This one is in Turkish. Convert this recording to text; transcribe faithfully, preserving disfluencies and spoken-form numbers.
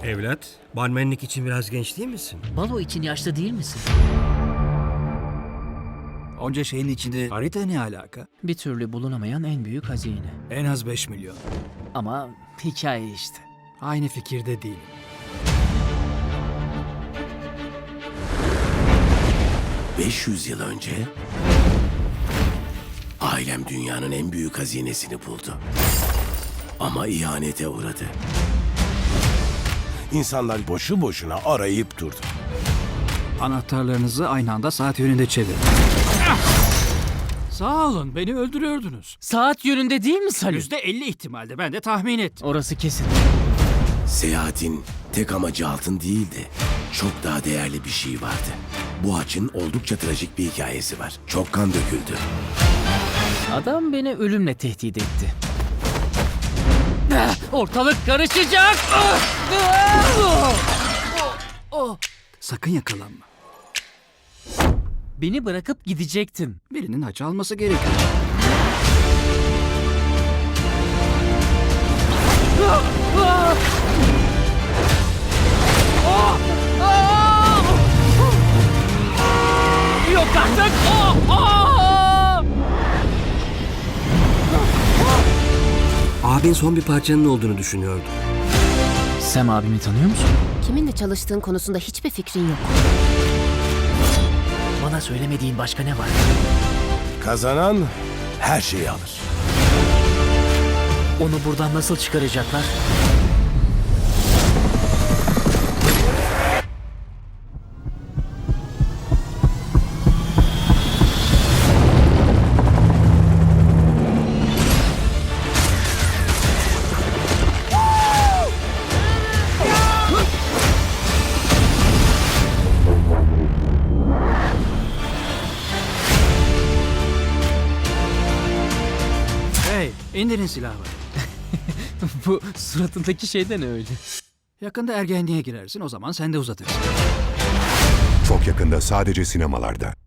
Evlat, barmenlik için biraz genç değil misin? Balo için yaşlı değil misin? Onca şeyin içinde harita ne alaka? Bir türlü bulunamayan en büyük hazine. En az beş milyon. Ama hikaye işte. Aynı fikirde değilim. beş yüz yıl önce ailem dünyanın en büyük hazinesini buldu. Ama ihanete uğradı. İnsanlar boşu boşuna arayıp durdu. Anahtarlarınızı aynı anda saat yönünde çevirin. Sağ olun, beni öldürüyordunuz. Saat yönünde değil mi Salim? Yüzde elli ihtimalde, ben de tahmin ettim. Orası kesin. Seyahatin tek amacı altın değildi. Çok daha değerli bir şey vardı. Bu haçın oldukça trajik bir hikayesi var. Çok kan döküldü. Adam beni ölümle tehdit etti. Ah, Ortalık karışacak! Ah! Ah! Sakın yakalanma. Beni bırakıp gidecektin. Birinin haç alması gerekiyor. Ah! Ah! Ah! Ah! Yok artık! Ah! Ah! Abin son bir parçanın olduğunu düşünüyordu. Sam abimi tanıyor musun? Kiminle çalıştığın konusunda hiçbir fikrin yok. Bana söylemediğin başka ne var? Kazanan her şeyi alır. Onu buradan nasıl çıkaracaklar? Hey, indirin silahı. Bu suratındaki şeyden öyle. Yakında ergenliğe girersin, o zaman sen de uzatırsın. Çok yakında sadece sinemalarda.